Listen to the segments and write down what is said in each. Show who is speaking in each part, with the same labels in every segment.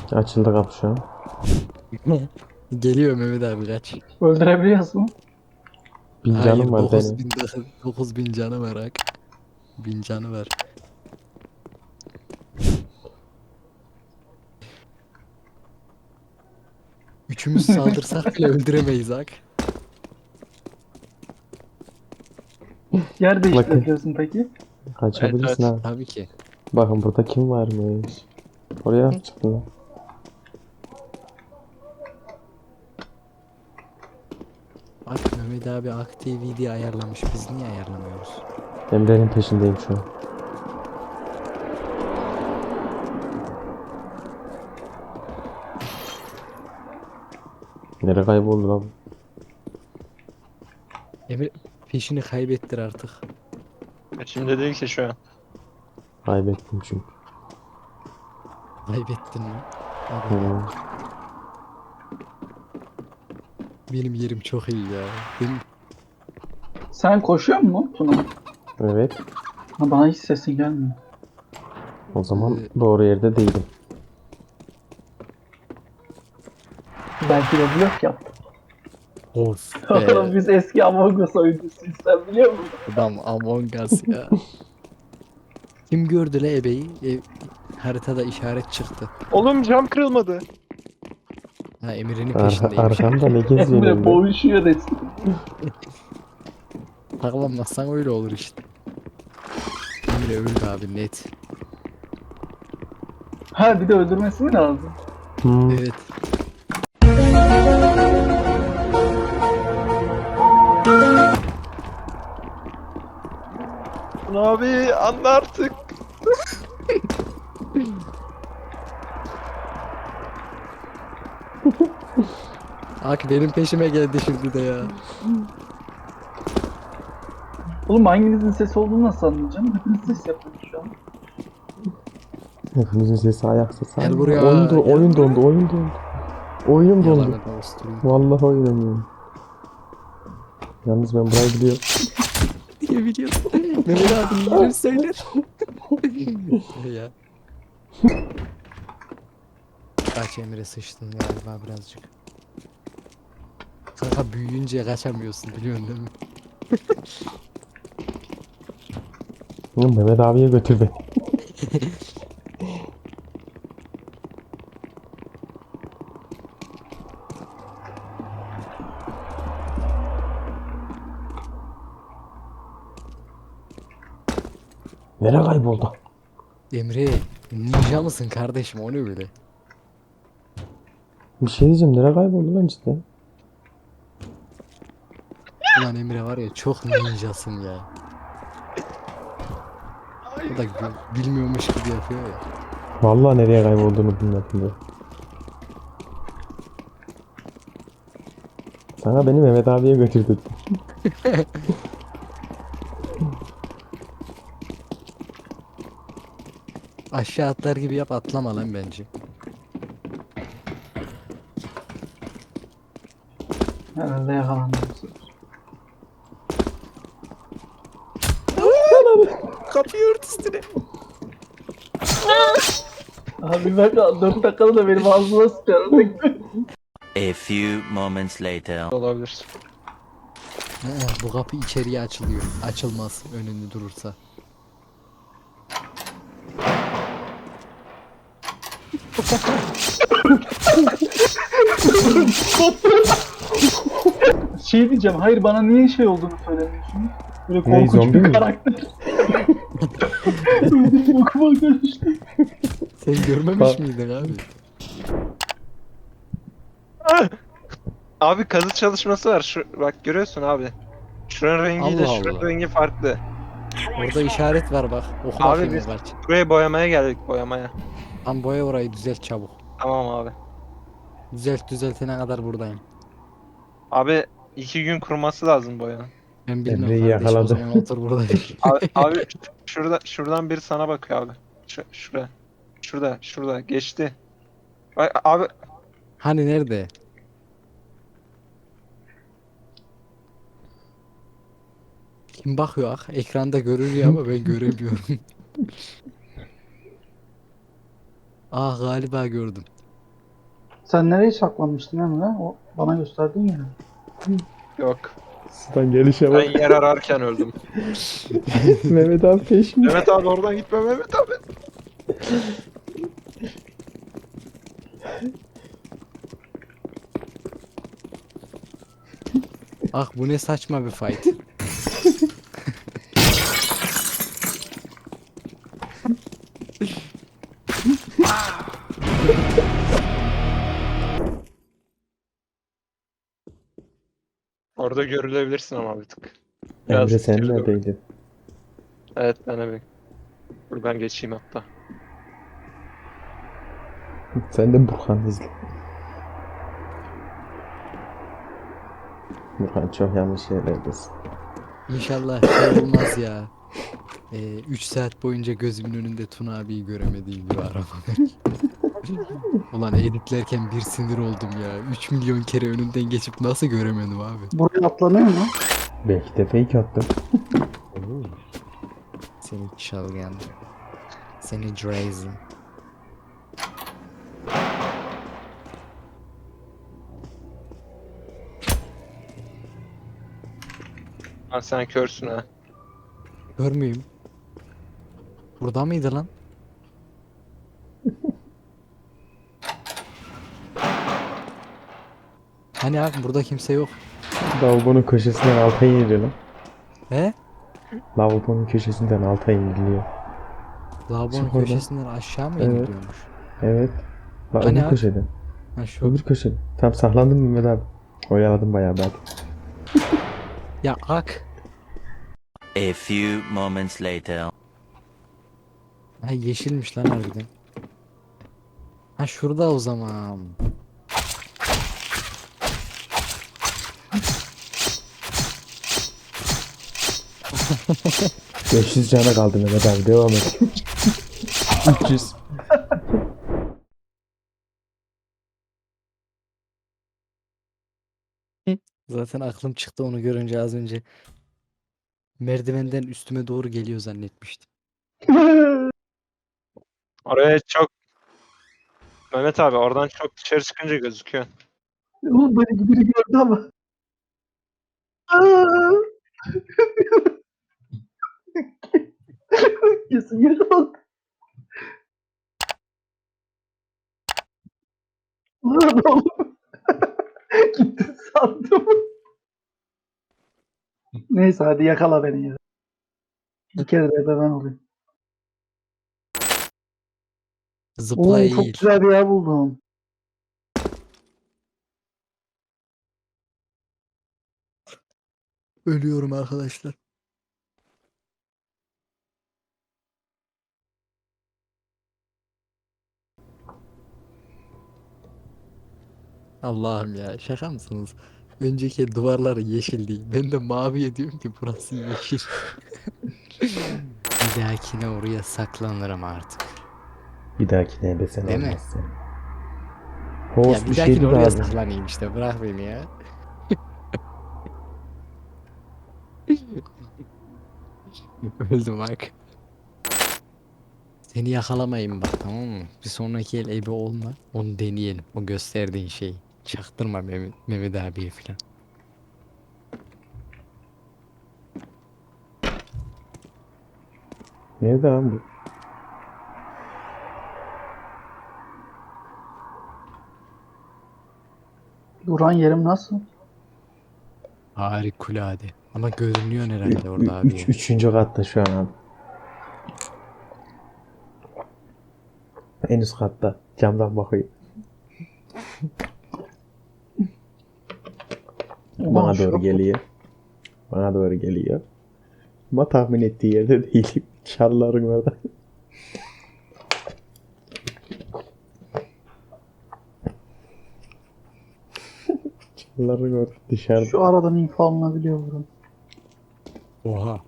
Speaker 1: Açıldı kapı şu an.
Speaker 2: Geliyor Mehmet abi kaç.
Speaker 3: Öldürebiliyorsun.
Speaker 1: 1000
Speaker 2: Hayır
Speaker 1: canım var benim.
Speaker 2: 9000 canı var hak. 1000 canı var. Üçümüz saldırsak bile öldüremeyiz hak.
Speaker 3: Yer
Speaker 1: Bakın.
Speaker 3: değiştirebiliyorsun peki.
Speaker 1: Kaçabilirsin
Speaker 4: Evet.
Speaker 1: ha.
Speaker 2: Tabii ki.
Speaker 1: Bakın burada kim varmış. Oraya nasıl çıktın lan?
Speaker 2: Bak Mehmet abi activity ayarlamış. Biz niye ayarlamıyoruz?
Speaker 1: Emre'nin peşindeyim şu an. Nereye kayboldu lan?
Speaker 2: Emre peşini kaybettir artık.
Speaker 4: Şimdi değil ki şu an.
Speaker 1: Kaybettim çünkü.
Speaker 2: Kaybettin mi? Abi,
Speaker 1: Hmm.
Speaker 2: benim yerim çok iyi ya. Benim...
Speaker 3: Sen koşuyor musun Tuna?
Speaker 1: Evet.
Speaker 3: Ha, bana hiç sesin gelmiyor.
Speaker 1: O zaman doğru yerde değilim.
Speaker 3: Belki de blok yaptım.
Speaker 2: Of
Speaker 3: Oğlum
Speaker 2: be.
Speaker 3: biz eski Among Us oyuncusuyuz, sen biliyor musun?
Speaker 2: Adam Among Us ya. Kim gördü le ebeyi? Haritada işaret çıktı.
Speaker 4: Oğlum cam kırılmadı.
Speaker 2: Ha Emir'in peşindeymiş.
Speaker 1: Arkamda ne geziyorsun
Speaker 3: Emre
Speaker 1: Emre?
Speaker 3: boğuşuyor resmen.
Speaker 2: Taklanmazsan öyle olur işte. Emre öldü abi net.
Speaker 3: Ha bir de öldürmesi mi lazım?
Speaker 1: Hmm.
Speaker 2: Evet.
Speaker 4: Abi anla artık.
Speaker 2: Ak benim peşime geldi şimdi de ya.
Speaker 3: Oğlum hanginizin sesi olduğunu nasıl anlayacağım? Hepiniz ses yapıyorsunuz şu an.
Speaker 1: Hepimizin sesi ayak sesi.
Speaker 2: Gel buraya,
Speaker 1: Oyun,
Speaker 2: gel
Speaker 1: oyun
Speaker 2: buraya.
Speaker 1: dondu, oyun dondu. Oyun dondu.
Speaker 2: Yalanı da usturayım.
Speaker 1: Vallahi oynamıyorum. Yalnız ben burayı biliyorum.
Speaker 2: Diye biliyorsun. Mehmet abi yerini söyler. Ya. Kaç Emre sıçtın galiba birazcık. Kanka büyüyünce kaçamıyorsun biliyorsun değil mi?
Speaker 1: Mehmet abiye götür beni. Nereye kayboldu?
Speaker 2: Emre ninja mısın kardeşim o ne öyle?
Speaker 1: Bir şey diyeceğim, nereye kayboldu lan cidden?
Speaker 2: Ulan Emre var ya çok ninjasın ya. O da bilmiyormuş gibi yapıyor ya.
Speaker 1: Vallahi nereye kaybolduğunu bilmedim ya. Sana beni Mehmet abiye götürdü.
Speaker 2: Aşağı atlar gibi yap atlama lan bence.
Speaker 3: Herhalde yakalandım.
Speaker 2: Kapıyı ört üstüne.
Speaker 3: Abi ben 4 dakikada da benim ağzıma sıçarım.
Speaker 5: A few moments later.
Speaker 4: Olabilir.
Speaker 2: Bu kapı içeriye açılıyor. Açılmaz önünde durursa.
Speaker 3: Şey diyeceğim, hayır bana niye şey olduğunu söylemiyorsun? Böyle
Speaker 1: Ne,
Speaker 3: korkunç
Speaker 1: zombi
Speaker 3: bir
Speaker 1: mi?
Speaker 3: karakter. Öyle bokuma karıştı.
Speaker 2: Sen görmemiş miydin abi?
Speaker 4: Abi kazı çalışması var. Bak görüyorsun abi. Şuranın rengiyle
Speaker 2: Allah
Speaker 4: şuranın
Speaker 2: Allah.
Speaker 4: rengi farklı.
Speaker 2: Orada işaret var bak. Oku
Speaker 4: Abi
Speaker 2: bakayım
Speaker 4: biz
Speaker 2: kaç.
Speaker 4: buraya boyamaya geldik boyamaya.
Speaker 2: Tam boya orayı düzelt çabuk.
Speaker 4: Tamam abi.
Speaker 2: Düzeltene kadar buradayım.
Speaker 4: Abi 2 gün kuruması lazım boyanın.
Speaker 2: Ben bilmem
Speaker 1: Emre'yi
Speaker 2: kardeşim o
Speaker 1: yakaladı.
Speaker 2: zaman otur burada.
Speaker 4: Abi şuradan biri sana bakıyor abi. Şuraya. Şurada geçti. Bak abi
Speaker 2: Hani nerede? Kim bakıyor ah? Ekranda görülüyor ama ben göremiyorum. Ah galiba gördüm.
Speaker 3: Sen nereye saklanmıştın Emre? O bana gösterdin ya.
Speaker 4: Yok.
Speaker 1: Sudan gelişe bak.
Speaker 4: Ben yer ararken öldüm.
Speaker 1: Mehmet abi peşimde.
Speaker 4: Mehmet abi oradan gitme Mehmet abi.
Speaker 2: Ah bu ne saçma bir fight.
Speaker 4: Orada görülebilirsin ama bir tık.
Speaker 1: Emre sen
Speaker 4: geri doğru.
Speaker 1: neredeydin?
Speaker 4: Evet ben bir. Dur ben geçeyim hatta.
Speaker 1: Sen de Burhan izle. Burhan çok yanlış yerlerdesin.
Speaker 2: İnşallah şey olmaz ya. 3 saat boyunca gözümün önünde Tuna abiyi göremediğim gibi arama. Ulan editlerken bir sinir oldum ya. 3 milyon kere önünden geçip nasıl göremedim abi?
Speaker 3: Buraya atlanıyor mu?
Speaker 1: Belki de fake attım.
Speaker 2: Seni çalgan. Seni Drazen.
Speaker 4: Lan sen körsün ha.
Speaker 2: Kör müyüm? Burada mıydı lan? Hani abi burada kimse yok.
Speaker 1: Lavabonun köşesinden alta iniliyor lan.
Speaker 2: He?
Speaker 1: Lavabonun köşesinden alta iniliyor.
Speaker 2: Lavabonun
Speaker 1: Çık oradan.
Speaker 2: köşesinden aşağı mı
Speaker 1: Evet.
Speaker 2: iniliyormuş?
Speaker 1: Evet. La
Speaker 2: Hani
Speaker 1: öbür
Speaker 2: abi?
Speaker 1: köşeden.
Speaker 2: Ha şu.
Speaker 1: Öbür köşeden. Tam saklandın mı Mehmet abi? Oyaladım bayağı ben.
Speaker 2: Ya ak.
Speaker 5: A few moments later.
Speaker 2: Ha yeşilmiş lan harbiden. Ha şurada o zaman.
Speaker 1: 500 cana kaldı Mehmet abi. Devam et. 300.
Speaker 2: Zaten aklım çıktı onu görünce az önce. Merdivenden üstüme doğru geliyor zannetmiştim.
Speaker 4: Oraya çok... Mehmet abi oradan çok dışarı çıkınca gözüküyor.
Speaker 3: Oğlum beni biri gördü ama. Aa! Kesin yakalandı. Lan oğlum. Gitti sandım. Neyse hadi yakala beni ya. Bir kere de ben olayım.
Speaker 2: Zıpla
Speaker 3: Oo, çok
Speaker 2: eğil.
Speaker 3: güzel bir yer buldum.
Speaker 2: Ölüyorum arkadaşlar. Allah'ım ya şaka mısınız? Önceki duvarları yeşildi. Ben de maviye diyorum ki burası yeşil. Bir dahakine oraya saklanırım artık.
Speaker 1: Bir dahakine ebesen
Speaker 2: Değil mi?
Speaker 1: olmazsın.
Speaker 2: Ya
Speaker 1: Host
Speaker 2: bir
Speaker 1: bir
Speaker 2: dahakine
Speaker 1: şeydi
Speaker 2: oraya
Speaker 1: abi.
Speaker 2: saklanayım işte bırak beni ya. Öldüm bak. Seni yakalamayayım bak tamam mı? Bir sonraki el ebe olma. Onu deneyelim. O gösterdiğin şeyi. Çaktırma Mehmet abiye falan.
Speaker 1: Nerede lan bu?
Speaker 3: Duran yerim nasıl?
Speaker 2: Harikulade. Ama görünüyor herhalde orada abi ya.
Speaker 1: Üçüncü katta şu an abi. En üst katta. Camdan bakıyor. Bana
Speaker 3: Ulan
Speaker 1: doğru
Speaker 3: şok.
Speaker 1: geliyor. Bana doğru geliyor. Ama tahmin ettiği yerde değilim. Çalıların orada. Çalıların orada dışarıda.
Speaker 3: Şu aradan info alınabiliyor buradan.
Speaker 2: Oha.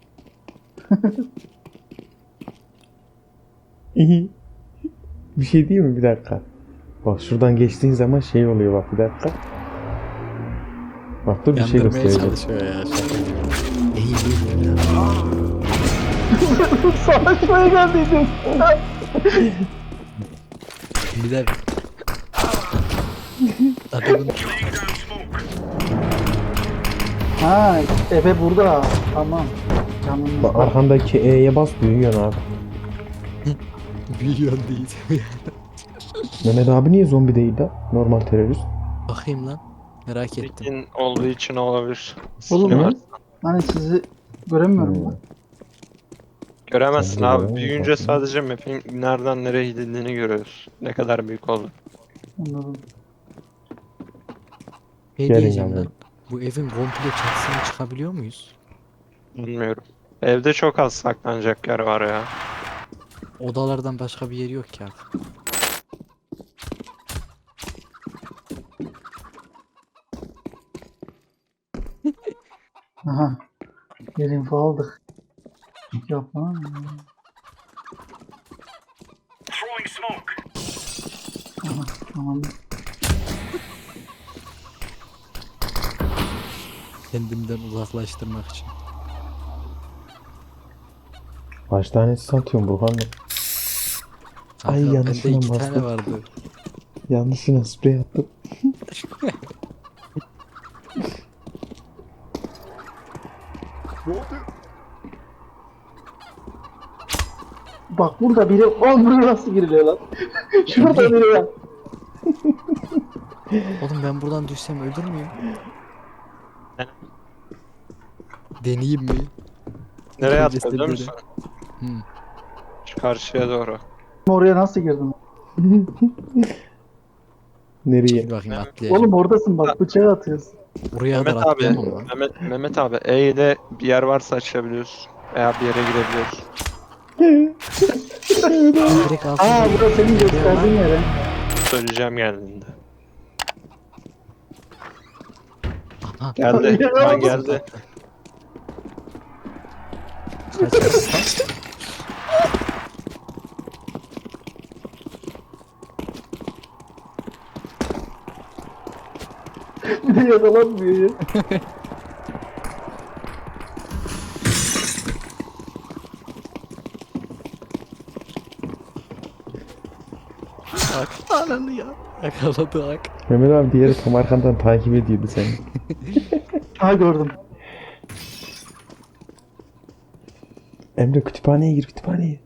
Speaker 1: İyi. Bir şey değil mi? Bir dakika. Bak şuradan geçtiğin zaman şey oluyor bak bir dakika. Bak dur bir şey
Speaker 2: Yandırmaya
Speaker 1: göstereceğim.
Speaker 2: çalışıyor ya. Şaka gibi. Eğil.
Speaker 3: Savaşmaya geldiydim.
Speaker 2: Bir de Adamın
Speaker 3: Ha, Efe burada. Tamam.
Speaker 1: Bak
Speaker 3: Yanımızda.
Speaker 1: arkandaki E'ye bas büyüyorsun abi.
Speaker 2: milyon değil.
Speaker 1: Mehmet abi niye zombi değil de? Normal terörist.
Speaker 2: Bakayım lan. Merak ettim.
Speaker 4: Tekin olduğu için olabilir.
Speaker 3: Oğlum
Speaker 4: Skill'i
Speaker 3: ya.
Speaker 4: var.
Speaker 3: Hani sizi göremiyorum
Speaker 1: Hmm.
Speaker 3: ben.
Speaker 4: Göremezsin
Speaker 1: Sen de
Speaker 4: abi.
Speaker 1: göremezsin
Speaker 4: Büyüyünce
Speaker 1: aslında.
Speaker 4: sadece map'in nereden nereye gidildiğini görüyoruz. Ne kadar büyük oldu.
Speaker 3: Anladım.
Speaker 2: Ne
Speaker 1: Gelin
Speaker 2: diyeceğim
Speaker 1: yanıma.
Speaker 2: lan? Bu evin komple çatısına çıkabiliyor muyuz?
Speaker 4: Bilmiyorum. Evde çok az saklanacak yer var ya.
Speaker 2: Odalardan başka bir yer yok ki abi.
Speaker 3: Aha. Bir info aldık. Yapma. Aha, tamam.
Speaker 2: Kendimden uzaklaştırmak için.
Speaker 1: Kaç tanesi satıyorsun Burhan Bey? Ay,
Speaker 2: Kanka, bende
Speaker 1: yanlışlıkla
Speaker 2: 2 tane
Speaker 1: bastım.
Speaker 2: vardı.
Speaker 1: Yanlışına sprey attım.
Speaker 3: Bak burada biri... Oğlum buraya nasıl giriliyor lan? Şurada biri var.
Speaker 2: Oğlum ben buradan düşsem ölür müyüm? Deneyeyim mi?
Speaker 4: Nereye
Speaker 2: Öncesinde
Speaker 4: atıyor biliyor
Speaker 2: biri.
Speaker 4: musun?
Speaker 2: Hmm.
Speaker 4: Şu karşıya doğru.
Speaker 3: Oraya nasıl girdin?
Speaker 1: Nereye?
Speaker 2: Çekil bakayım atlayacağım.
Speaker 3: Oğlum oradasın bak bıçağı atıyorsun.
Speaker 2: Buraya kadar
Speaker 4: Mehmet abi,
Speaker 2: atlayamam lan.
Speaker 4: Mehmet abi E ile bir yer varsa açabiliyorsun. Veya bir yere girebiliyorsun.
Speaker 2: Direkt altına
Speaker 3: Aa burası senin gösterdiğin yere.
Speaker 4: Söyleyeceğim geldiğinde.
Speaker 2: Aha.
Speaker 4: Geldi.
Speaker 3: Ya,
Speaker 4: Ben
Speaker 3: nasıl
Speaker 4: geldi.
Speaker 2: Kaç.
Speaker 3: Bir de yakalanmıyor ya.
Speaker 2: Ak. Ananı ya. Yakaladı ak.
Speaker 1: Mehmet abi diğeri tam arkandan takip ediyordu seni.
Speaker 3: Ha gördüm.
Speaker 1: Emre kütüphaneye gir kütüphaneye.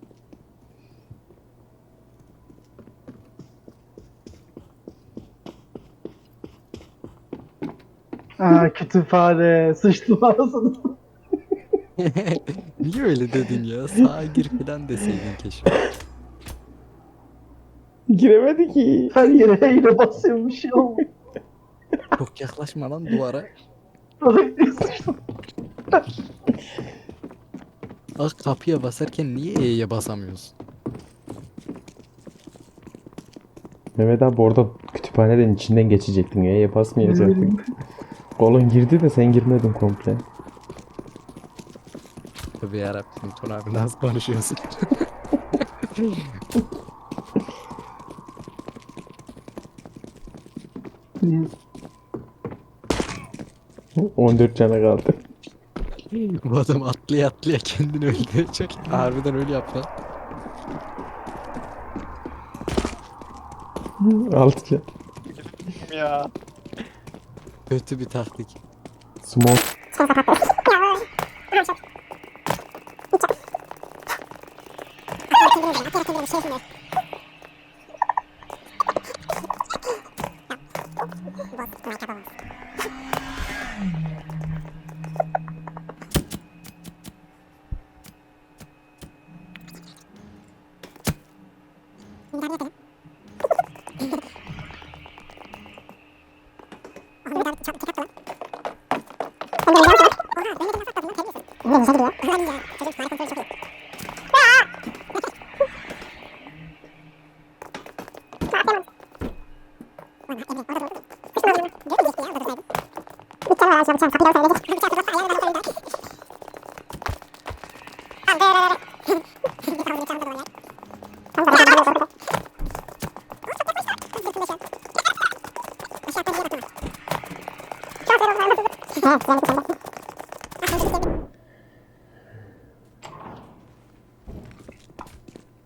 Speaker 3: Aa kütüphane. Sıçtım ağzını.
Speaker 2: Niye öyle dedin ya? Sağa gir falan deseydin keşke.
Speaker 1: Giremedi ki.
Speaker 3: Her yere yine basıyorum bir şey oldu.
Speaker 2: Çok yaklaşma lan duvara.
Speaker 3: Sıçtım.
Speaker 2: Ak kapıya basarken niye E'ye basamıyorsun?
Speaker 1: Mehmet abi orada kütüphaneden içinden geçecektin. E'ye basmayacaktın.
Speaker 3: bileyim.
Speaker 1: Kolun girdi de sen girmedin komple.
Speaker 2: Tabii yarabbim Tuna abi nasıl konuşuyorsun?
Speaker 1: 14 cana kaldı.
Speaker 2: Bu adam atlaya atlaya kendini öldürecek. Harbiden öyle yap lan.
Speaker 1: 6 can.
Speaker 4: Ya.
Speaker 2: Kötü bir taktik.
Speaker 1: Smoke.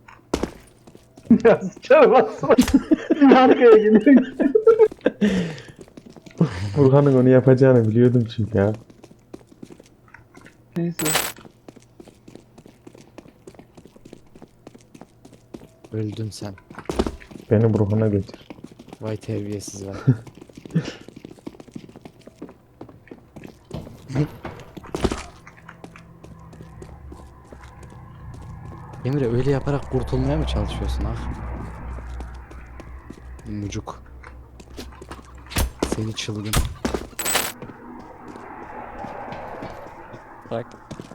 Speaker 3: Ya sıçarım aslında. Arkaya gidiyor.
Speaker 1: Burhan'ın onu yapacağını biliyordum çünkü ya.
Speaker 3: Neyse.
Speaker 2: Öldün sen.
Speaker 1: Beni Burhan'a götür.
Speaker 2: Vay terbiyesiz vay. Emre öyle yaparak kurtulmaya mı çalışıyorsun ah? Mucuk. Seni çılgın. Bak.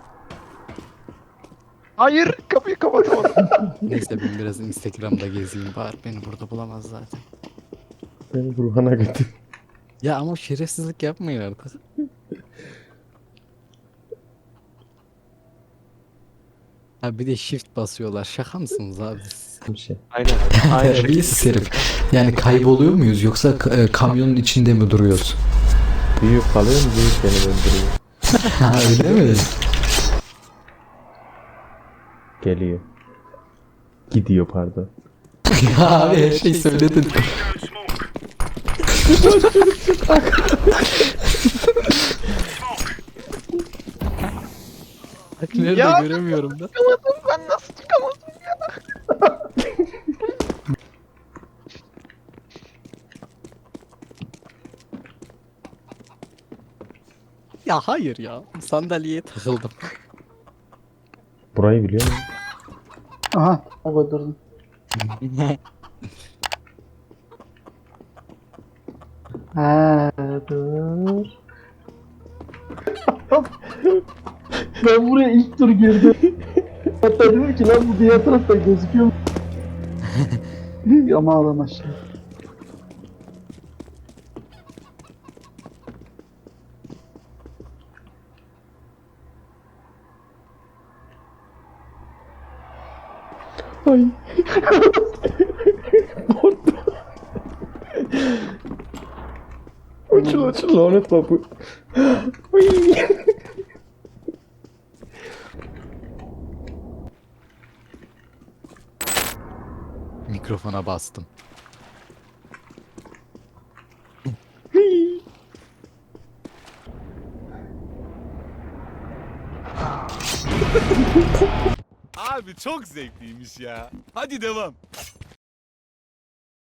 Speaker 4: Hayır, kapıyı kapatamadım.
Speaker 2: Neyse ben biraz Instagram'da gezeyim bari beni burada bulamaz zaten.
Speaker 1: Beni Burhan'a götür.
Speaker 2: Ya ama şerefsizlik yapmayın artık. Ha bir de shift basıyorlar. Şaka mısınız abi siz?
Speaker 1: Bir şey.
Speaker 4: Aynen. Aynen.
Speaker 2: Terbiyesiz herif. Yani kayboluyor muyuz yoksa kamyonun içinde mi duruyoruz?
Speaker 1: Büyük kalıyor mu? Büyük beni öldürüyor.
Speaker 2: Ha öyle mi?
Speaker 1: Geliyor. Gidiyor pardon.
Speaker 2: Ya abi her şeyi söyledin. Bak nerede
Speaker 4: Ya,
Speaker 2: göremiyorum da.
Speaker 4: Çıkamadım, ben nasıl çıkamadım ya?
Speaker 2: Ya hayır ya. Sandalyeye takıldım.
Speaker 1: Burayı biliyor musun?
Speaker 3: Aha. O durdum. Ha dur. Ben buraya ilk tur girdim. Hatta dedim ki lan bu diğer tarafta gözüküyor mu? Ama ağlamaz şimdi.
Speaker 1: Ay. Korktum. Uçul lanet kapı. Uy.
Speaker 2: Mikrofona bastım.
Speaker 6: Abi çok zevkliymiş ya. Hadi devam.